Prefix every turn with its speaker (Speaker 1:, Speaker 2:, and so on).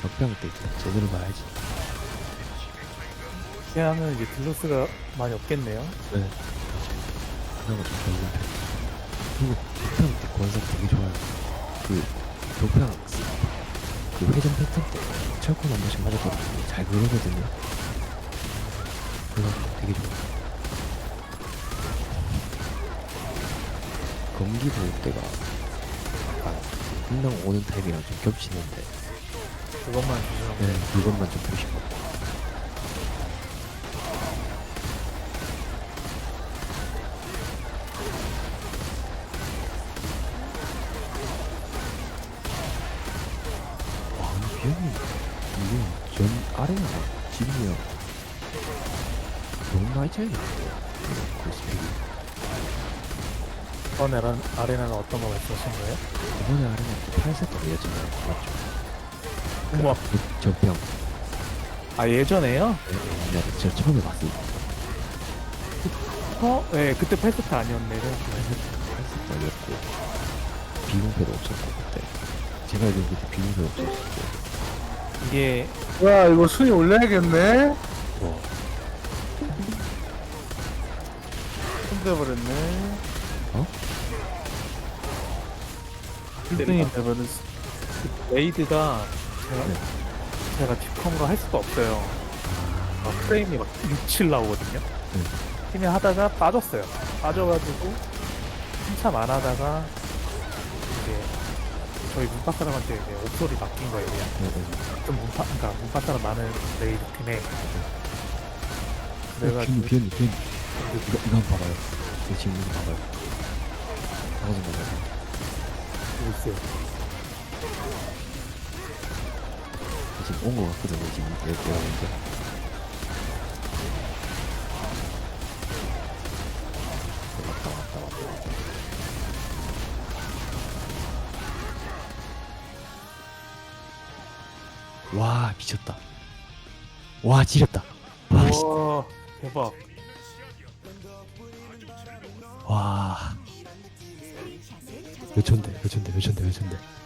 Speaker 1: 적병 때 제대로 봐야지.
Speaker 2: 피하면 이제 딜로스가 많이 없겠네요.
Speaker 1: 네. 그나마 좀 좋은 편. 그리고 적병 때 권석 되게 좋아요. 그 적병 그 회전 패턴 때 철권 한 번씩 맞아도 잘 그러거든요. 그래서 되게 좋아요. 검기 볼 때가 약간 분당 오는 타임이랑 좀 겹치는데
Speaker 2: 그것만 조심하면
Speaker 1: 네, 그것만 좀 보시고. 와, 근데 비행이 이게 전 아래랑 집이랑 너무 많이 차이 나는데 그 스펙이.
Speaker 2: 이번 아레나는 어떤 거 말씀하신 거예요?
Speaker 1: 이번에 아래는 8세트 예전에 맞죠?
Speaker 2: 우와.
Speaker 1: 그 적병.
Speaker 2: 아 예전에요?
Speaker 1: 네, 저 처음에 봤을 때
Speaker 2: 네, 그때 8세트 아니었네.
Speaker 1: 8세트 아니었고 비공패도 없었고 그때 제가 알기로 그때 비공패 없었고.
Speaker 2: 이게
Speaker 3: 야, 이거 순위 올려야겠네?
Speaker 1: 와,
Speaker 3: 힘들어버렸네.
Speaker 1: 어?
Speaker 3: 1등이 되면은,
Speaker 2: 레이드가
Speaker 1: 네.
Speaker 2: 제가 뒷컴으로 할 수가 없어요. 막 프레임이 막 6, 7 나오거든요.
Speaker 1: 네.
Speaker 2: 팀이 하다가 빠졌어요. 빠져가지고 한참 안 하다가 이제 저희 문파 사람한테 이제 옥소리 맡긴 거예요. 그냥.
Speaker 1: 네, 네.
Speaker 2: 그러니까 문파 사람 많은 레이드 팀에 그래가지고
Speaker 1: 비언니 이거 한번 봐봐요. 이거 지금 이거 봐봐요. 방금 봐봐요.
Speaker 2: 보고 있어요.
Speaker 1: 지금 온 거 같거든요. 지금 내가 보니까. 왔다. 와, 미쳤다. 와, 지렸다. 와, 씨.
Speaker 2: 와 대박.
Speaker 1: 와. 몇 천대.